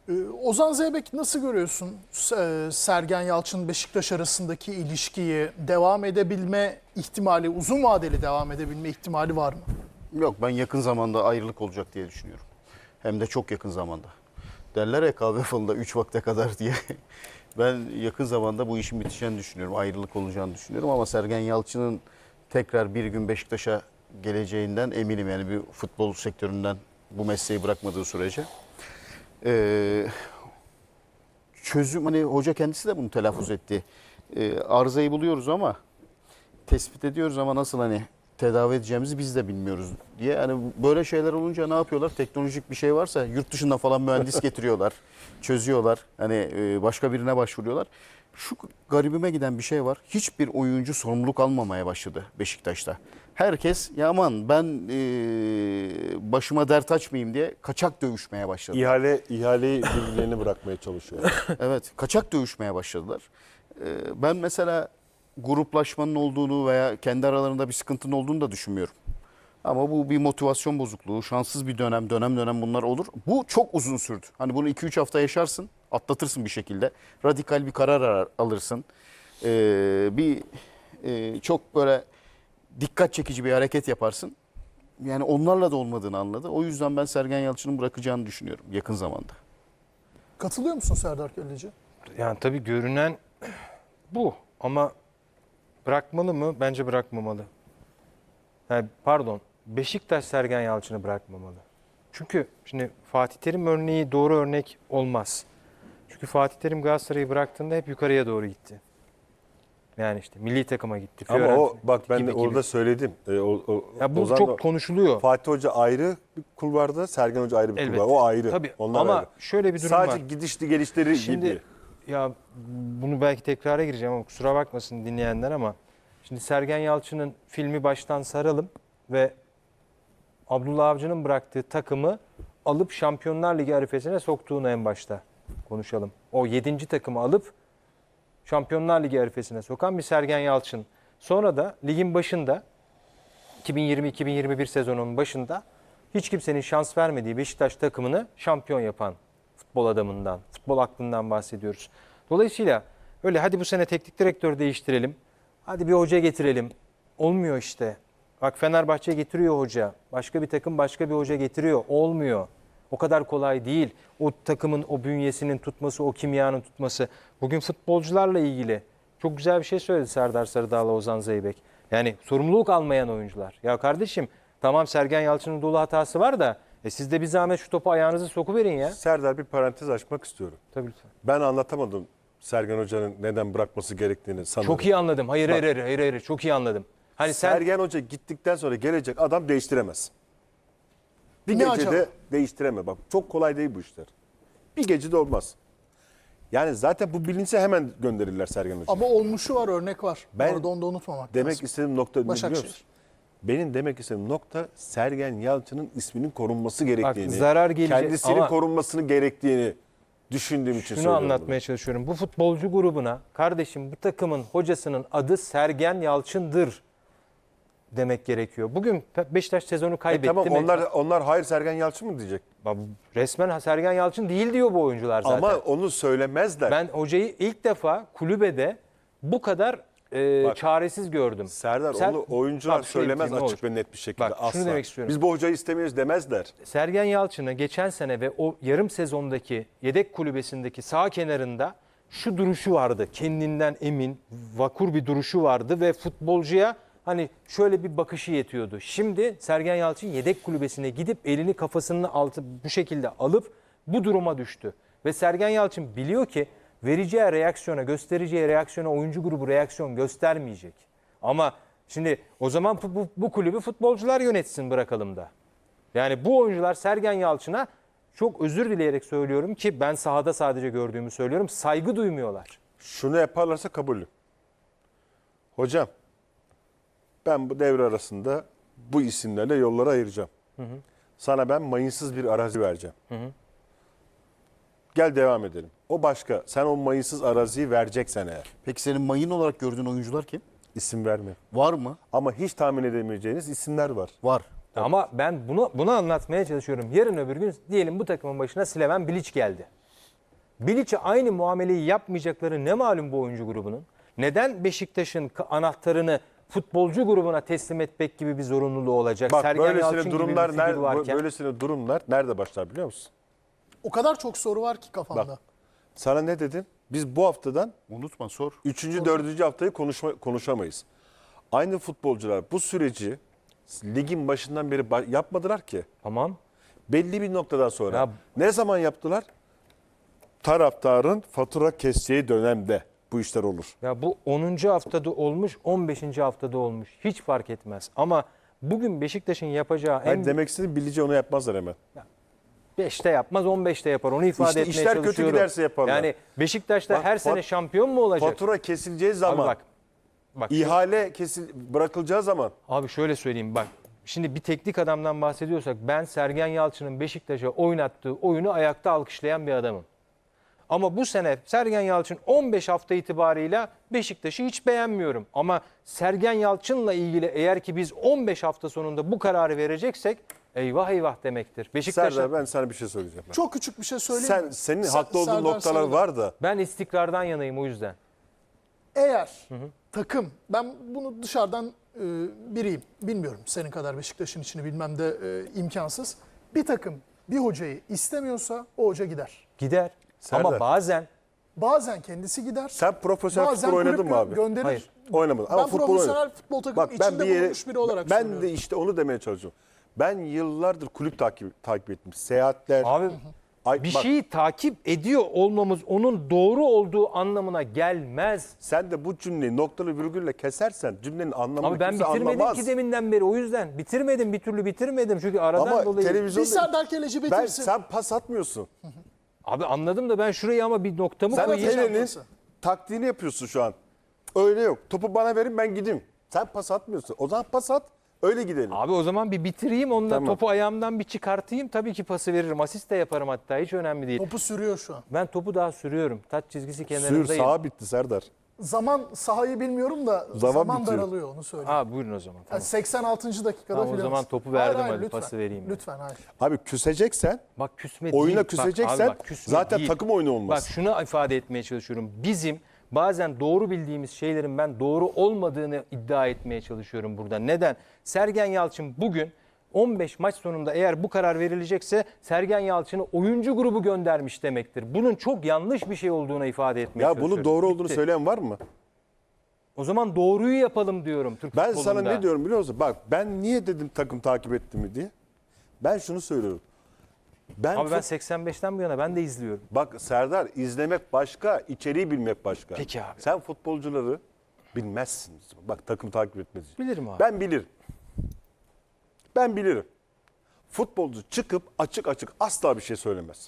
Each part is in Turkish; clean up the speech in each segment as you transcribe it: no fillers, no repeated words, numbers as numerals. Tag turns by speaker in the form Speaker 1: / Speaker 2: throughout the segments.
Speaker 1: Ozan Zeybek nasıl görüyorsun Sergen Yalçın Beşiktaş arasındaki ilişkiyi, devam edebilme ihtimali, uzun vadeli devam edebilme ihtimali var mı?
Speaker 2: Yok, ben yakın zamanda ayrılık olacak diye düşünüyorum. Hem de çok yakın zamanda. Derler ya kahve falında 3 vakte kadar diye. Ben yakın zamanda bu işin biteceğini düşünüyorum. Ayrılık olacağını düşünüyorum ama Sergen Yalçın'ın tekrar bir gün Beşiktaş'a geleceğinden eminim. Yani bir futbol sektöründen bu mesleği bırakmadığı sürece. Çözüm, hani hoca kendisi de bunu telaffuz etti. Arızayı buluyoruz ama tespit ediyoruz ama nasıl hani tedavi edeceğimizi biz de bilmiyoruz diye. Hani böyle şeyler olunca ne yapıyorlar? Teknolojik bir şey varsa yurt dışından falan mühendis getiriyorlar. Çözüyorlar. Hani başka birine başvuruyorlar. Şu garibime giden bir şey var. Hiçbir oyuncu sorumluluk almamaya başladı Beşiktaş'ta. Herkes ya aman ben başıma dert açmayayım diye kaçak dövüşmeye başladı.
Speaker 3: İhaleyi birbirlerine bırakmaya çalışıyorlar.
Speaker 2: Evet, kaçak dövüşmeye başladılar. Ben mesela gruplaşmanın olduğunu veya kendi aralarında bir sıkıntının olduğunu da düşünmüyorum. Ama bu bir motivasyon bozukluğu, şanssız bir dönem bunlar olur. Bu çok uzun sürdü. Hani bunu 2-3 hafta yaşarsın, atlatırsın bir şekilde. Radikal bir karar alırsın. Çok böyle dikkat çekici bir hareket yaparsın. Yani onlarla da olmadığını anladı. O yüzden ben Sergen Yalçın'ın bırakacağını düşünüyorum yakın zamanda.
Speaker 1: Katılıyor musun Serdar Kelleci?
Speaker 4: Yani tabii görünen bu ama bırakmalı mı? Bence bırakmamalı. Yani pardon, Beşiktaş Sergen Yalçın'ı bırakmamalı. Çünkü şimdi Fatih Terim örneği doğru örnek olmaz. Çünkü Fatih Terim Galatasaray'ı bıraktığında hep yukarıya doğru gitti. Yani işte milli takıma gitti.
Speaker 3: Ama o
Speaker 4: Fiorentina
Speaker 3: bak ben de
Speaker 4: gibi.
Speaker 3: orada söyledim.
Speaker 4: Ya bu
Speaker 3: Ozan
Speaker 4: çok
Speaker 3: da-
Speaker 4: konuşuluyor.
Speaker 3: Fatih Hoca ayrı bir kulvarda, Sergen Hoca ayrı bir
Speaker 4: Elbette.
Speaker 3: kulvar. O ayrı.
Speaker 4: Tabii.
Speaker 3: Onlar
Speaker 4: Ama
Speaker 3: ayrı.
Speaker 4: şöyle bir durum
Speaker 3: Sadece
Speaker 4: var.
Speaker 3: gidişli gelişleri
Speaker 4: Şimdi
Speaker 3: gibi.
Speaker 4: ya bunu belki tekrara gireceğim ama kusura bakmasın dinleyenler ama şimdi Sergen Yalçın'ın filmi baştan saralım ve Abdullah Avcı'nın bıraktığı takımı alıp Şampiyonlar Ligi arifesine soktuğunu en başta konuşalım. O 7. takımı alıp Şampiyonlar Ligi arifesine sokan bir Sergen Yalçın. Sonra da ligin başında 2020-2021 sezonunun başında hiç kimsenin şans vermediği Beşiktaş takımını şampiyon yapan futbol adamından, futbol aklından bahsediyoruz. Dolayısıyla öyle hadi bu sene teknik direktör değiştirelim, hadi bir hoca getirelim. Olmuyor işte. Bak Fenerbahçe getiriyor hoca, başka bir takım başka bir hoca getiriyor. Olmuyor. O kadar kolay değil. O takımın o bünyesinin tutması, o kimyanın tutması. Bugün futbolcularla ilgili çok güzel bir şey söyledi Serdar Sarıdağ'la Ozan Zeybek. Yani sorumluluk almayan oyuncular. Ya kardeşim tamam Sergen Yalçın'ın dolu hatası var da siz de bir zahmet şu topu ayağınızı sokuverin ya.
Speaker 3: Serdar, bir parantez açmak istiyorum.
Speaker 4: Tabii lütfen.
Speaker 3: Ben anlatamadım Sergen Hoca'nın neden bırakması gerektiğini sanırım.
Speaker 4: Çok iyi anladım. Hayır. Çok iyi anladım. Hani sen
Speaker 3: Sergen Hoca gittikten sonra gelecek adam değiştiremez. Bir
Speaker 1: Ne
Speaker 3: gecede
Speaker 1: acaba?
Speaker 3: değiştireme. Bak çok kolay değil bu işler. Bir gecede olmaz. Yani zaten bu bilinse hemen gönderirler Sergen Hoca'yı.
Speaker 1: Ama olmuşu var, örnek var.
Speaker 3: Ben
Speaker 1: Orada onu da unutmamak
Speaker 3: Demek
Speaker 1: lazım.
Speaker 3: istediğim nokta ne biliyor
Speaker 1: Başakşehir.
Speaker 3: musun? Benim demek istediğim nokta Sergen Yalçın'ın isminin korunması gerektiğini,
Speaker 4: zarar gelecek
Speaker 3: kendisinin
Speaker 4: ama-
Speaker 3: korunmasını gerektiğini düşündüğüm için
Speaker 4: şunu
Speaker 3: söylüyorum.
Speaker 4: anlatmaya çalışıyorum. Bu futbolcu grubuna kardeşim bu takımın hocasının adı Sergen Yalçın'dır demek gerekiyor. Bugün Beşiktaş sezonu kaybetti
Speaker 3: Tamam,
Speaker 4: mi?
Speaker 3: onlar hayır Sergen Yalçın mı diyecek?
Speaker 4: Resmen Sergen Yalçın değil diyor bu oyuncular zaten.
Speaker 3: Ama onu söylemezler.
Speaker 4: Ben hocayı ilk defa kulübede bu kadar çaresiz gördüm.
Speaker 3: Serdar
Speaker 4: Sen-
Speaker 3: onu oyuncular
Speaker 4: Bak, şöyle
Speaker 3: söylemez
Speaker 4: diyeyim, ne
Speaker 3: açık
Speaker 4: olur.
Speaker 3: ve net bir şekilde
Speaker 4: Bak, şunu
Speaker 3: asla.
Speaker 4: demek istiyorum.
Speaker 3: Biz bu hocayı istemiyoruz demezler.
Speaker 4: Sergen Yalçın'ı geçen sene ve o yarım sezondaki yedek kulübesindeki sağ kenarında şu duruşu vardı. Kendinden emin, vakur bir duruşu vardı ve futbolcuya hani şöyle bir bakışı yetiyordu. Şimdi Sergen Yalçın yedek kulübesine gidip elini kafasının altı bu şekilde alıp bu duruma düştü. Ve Sergen Yalçın biliyor ki vereceği reaksiyona, göstereceği reaksiyona oyuncu grubu reaksiyon göstermeyecek. Ama şimdi o zaman bu kulübü futbolcular yönetsin bırakalım da. Yani bu oyuncular Sergen Yalçın'a çok özür dileyerek söylüyorum ki ben sahada sadece gördüğümü söylüyorum. Saygı duymuyorlar.
Speaker 3: Şunu yaparlarsa kabulüm. Hocam ben bu devre arasında bu isimlerle yolları ayıracağım. Sana ben mayınsız bir arazi vereceğim. Gel devam edelim. O başka. Sen o mayınsız araziyi vereceksen eğer.
Speaker 2: Peki senin mayın olarak gördüğün oyuncular kim?
Speaker 3: İsim verme.
Speaker 2: Var mı?
Speaker 3: Ama hiç tahmin edemeyeceğiniz isimler var.
Speaker 2: Var.
Speaker 4: Ama ben bunu anlatmaya çalışıyorum. Yarın öbür gün diyelim bu takımın başına Slaven Bilic geldi. Bilic'e aynı muameleyi yapmayacakları ne malum bu oyuncu grubunun? Neden Beşiktaş'ın anahtarını futbolcu grubuna teslim etmek gibi bir zorunluluğu olacak?
Speaker 3: Bak
Speaker 4: Sergen Yalçın
Speaker 3: böylesine
Speaker 4: gibi
Speaker 3: durumlar,
Speaker 4: bir figür varken.
Speaker 3: böylesine durumlar nerede başlar biliyor musun?
Speaker 1: O kadar çok soru var ki kafamda.
Speaker 3: Bak. Sana ne dedim? Biz bu haftadan
Speaker 2: Unutma sor.
Speaker 3: 3. 4. haftayı konuşamayız. Aynı futbolcular bu süreci ligin başından beri yapmadılar ki.
Speaker 4: Tamam.
Speaker 3: Belli bir noktadan sonra.
Speaker 4: Ya-
Speaker 3: Ne zaman yaptılar? Taraftarın fatura keseceği dönemde bu işler olur.
Speaker 4: Ya bu 10. haftada olmuş, 15. haftada olmuş. Hiç fark etmez. Ama bugün Beşiktaş'ın yapacağı
Speaker 3: Ben demek istediğim Bilici onu yapmazlar hemen.
Speaker 4: 5'te yapmaz, 15'te yapar. Onu ifade
Speaker 3: İşte
Speaker 4: etmeye
Speaker 3: işler kötü
Speaker 4: çalışıyorum.
Speaker 3: giderse yaparlar.
Speaker 4: Yani Beşiktaş'ta
Speaker 3: Bak,
Speaker 4: her sene şampiyon mu olacak?
Speaker 3: Fatura kesileceği
Speaker 4: Abi
Speaker 3: zaman,
Speaker 4: bak
Speaker 3: ihale bırakılacağı zaman
Speaker 4: abi şöyle söyleyeyim bak. Şimdi bir teknik adamdan bahsediyorsak ben Sergen Yalçın'ın Beşiktaş'a oynattığı oyunu ayakta alkışlayan bir adamım. Ama bu sene Sergen Yalçın 15 hafta itibarıyla Beşiktaş'ı hiç beğenmiyorum. Ama Sergen Yalçın'la ilgili eğer ki biz 15 hafta sonunda bu kararı vereceksek eyvah eyvah demektir. Beşiktaş'a
Speaker 3: Serdar ben sana bir şey söyleyeceğim.
Speaker 1: Çok küçük bir şey söyleyeyim mi?
Speaker 3: Senin
Speaker 1: Se-
Speaker 3: haklı olduğun
Speaker 1: Serdar
Speaker 3: noktalar
Speaker 1: Sarı'da.
Speaker 3: var da
Speaker 4: ben istikrardan yanayım o yüzden.
Speaker 1: Eğer takım, ben bunu dışarıdan biriyim, bilmiyorum senin kadar Beşiktaş'ın içini bilmem de imkansız. Bir takım bir hocayı istemiyorsa o hoca gider.
Speaker 4: Gider.
Speaker 3: Serdar.
Speaker 4: Ama bazen
Speaker 1: Bazen kendisi gider.
Speaker 3: sen profesyonel
Speaker 1: bazen
Speaker 3: futbol oynadın
Speaker 1: kulüp
Speaker 3: mı abi?
Speaker 1: gönderir.
Speaker 4: Hayır.
Speaker 3: Oynamadım.
Speaker 1: Ben
Speaker 3: Ama futbol
Speaker 1: profesyonel
Speaker 3: oynadım.
Speaker 1: futbol takımının
Speaker 3: Bak ben
Speaker 1: içinde
Speaker 3: bir yere,
Speaker 1: bulunmuş biri olarak
Speaker 3: ben
Speaker 1: söylüyorum.
Speaker 3: de işte onu demeye çalışıyorum. Ben yıllardır kulüp takip ettim. Seyahatler.
Speaker 4: abi bir
Speaker 3: bak,
Speaker 4: şeyi takip ediyor olmamız onun doğru olduğu anlamına gelmez.
Speaker 3: sen de bu cümleyi noktalı virgülle kesersen cümlenin anlamını
Speaker 4: Abi ben
Speaker 3: kimse
Speaker 4: bitirmedim
Speaker 3: anlamaz.
Speaker 4: ki deminden beri o yüzden. Bitirmedim, bir türlü bitirmedim. Çünkü aradan
Speaker 3: Ama
Speaker 4: dolayı.
Speaker 1: Bir
Speaker 3: televizyonda
Speaker 1: Serdar Keleci bitirsin.
Speaker 3: sen pas atmıyorsun.
Speaker 4: Abi anladım da ben şurayı ama bir noktamı
Speaker 3: Sen
Speaker 4: koyayım.
Speaker 1: Fener'in
Speaker 3: Fener'in taktiğini yapıyorsun şu an. Öyle yok. Topu bana verin ben gideyim. Sen pas atmıyorsun. O zaman pas at. Öyle gidelim.
Speaker 4: Abi o zaman bir bitireyim, onunla
Speaker 3: Tamam.
Speaker 4: topu ayağımdan bir çıkartayım. Tabii ki pası veririm. Asist de yaparım hatta, hiç önemli değil.
Speaker 1: Topu sürüyor şu an.
Speaker 4: Ben topu daha sürüyorum. Taç çizgisi
Speaker 3: Sür
Speaker 4: kenarındayım.
Speaker 3: sağa bitti Serdar.
Speaker 1: Zaman sahayı bilmiyorum da
Speaker 3: Zaman
Speaker 1: zaman
Speaker 3: bitiyor.
Speaker 1: daralıyor onu söyleyeyim.
Speaker 4: Aa buyurun o zaman.
Speaker 1: Yani
Speaker 4: Tamam.
Speaker 1: 86. dakikada
Speaker 4: Tamam, o
Speaker 1: filan.
Speaker 4: zaman topu
Speaker 1: Hayır,
Speaker 4: verdim,
Speaker 1: hayır,
Speaker 4: hadi
Speaker 1: lütfen.
Speaker 4: pası vereyim ben.
Speaker 1: Lütfen hayır.
Speaker 3: Abi küseceksen,
Speaker 4: Bak küsme
Speaker 3: oyuna
Speaker 4: değil.
Speaker 3: küseceksen
Speaker 4: Bak küsme
Speaker 3: zaten
Speaker 4: değil.
Speaker 3: takım oyunu olmaz.
Speaker 4: Bak şunu ifade etmeye çalışıyorum. Bizim bazen doğru bildiğimiz şeylerin ben doğru olmadığını iddia etmeye çalışıyorum burada. Neden? Sergen Yalçın bugün 15 maç sonunda eğer bu karar verilecekse Sergen Yalçın'ı oyuncu grubu göndermiş demektir. Bunun çok yanlış bir şey olduğuna ifade etmeye
Speaker 3: Ya
Speaker 4: çalışıyorum.
Speaker 3: bunun doğru olduğunu
Speaker 4: Bitti.
Speaker 3: söyleyen var mı?
Speaker 4: O zaman doğruyu yapalım diyorum Türk
Speaker 3: Ben
Speaker 4: futbolunda.
Speaker 3: sana ne diyorum biliyor musun? Bak ben niye dedim takım takip etti mi diye. Ben şunu söylüyorum.
Speaker 4: Abi ben 85'ten bu yana ben de izliyorum.
Speaker 3: Bak Serdar izlemek başka, içeriği bilmek başka.
Speaker 4: Peki abi.
Speaker 3: Sen futbolcuları bilmezsin. Bak takım takip etmez.
Speaker 4: Bilirim abi.
Speaker 3: Ben bilirim. Ben bilirim. Futbolcu çıkıp açık açık asla bir şey söylemez.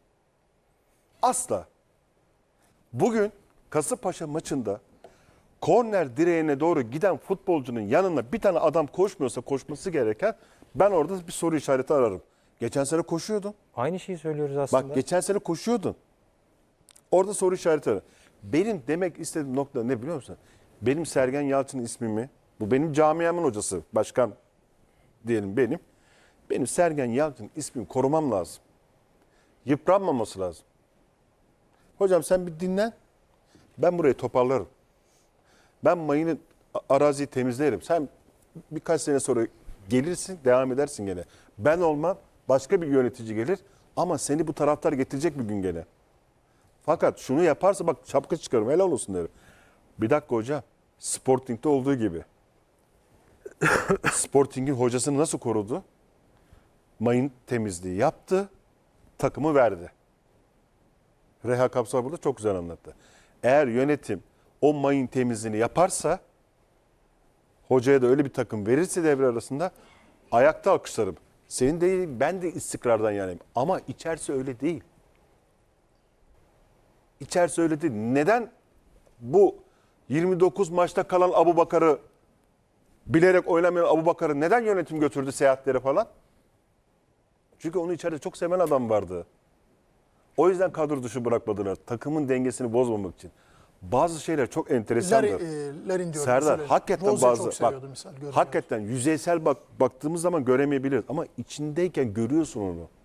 Speaker 3: Asla. Bugün Kasımpaşa maçında korner direğine doğru giden futbolcunun yanına bir tane adam koşmuyorsa koşması gereken ben orada bir soru işareti ararım. Geçen sene koşuyordun.
Speaker 4: Aynı şeyi söylüyoruz aslında.
Speaker 3: Bak geçen sene koşuyordun. Orada soru işareti ararım. Benim demek istediğim nokta ne biliyor musun? Benim Sergen Yalçın ismimi, bu benim camiamın hocası, başkan diyelim benim. Benim Sergen Yalçın ismini korumam lazım. Yıpranmaması lazım. Hocam sen bir dinlen. Ben burayı toparlarım. Ben mayını araziyi temizlerim. Sen birkaç sene sonra gelirsin, devam edersin gene. Ben olmam, başka bir yönetici gelir ama seni bu taraftar getirecek bir gün gene. Fakat şunu yaparsa bak şapka çıkarım, helal olsun derim. Bir dakika hocam, Sporting'de olduğu gibi. Sporting'in hocasını nasıl korudu? Mayın temizliği yaptı, takımı verdi. Reha Kapsal burada çok güzel anlattı. Eğer yönetim o mayın temizliğini yaparsa, hocaya da öyle bir takım verirse devre arasında ayakta alkışlarım. Senin değil, ben de istikrardan yanayım. Ama içerisi öyle değil. İçerisi öyle değil. Neden bu 29 maçta kalan Abubakar'ı, bilerek oynamayan Abubakar'ı neden yönetim götürdü seyahatlere falan? Çünkü onu içeride çok seven adam vardı. O yüzden kadro dışı bırakmadılar. Takımın dengesini bozmamak için. Bazı şeyler çok enteresandır.
Speaker 1: Larin diyorum.
Speaker 3: Serdar
Speaker 1: mesela.
Speaker 3: hakikaten
Speaker 1: Rose
Speaker 3: bazı
Speaker 1: çok seviyordu misal, görünüyor.
Speaker 3: hakikaten yüzeysel baktığımız zaman göremeyebiliriz ama içindeyken görüyorsun onu.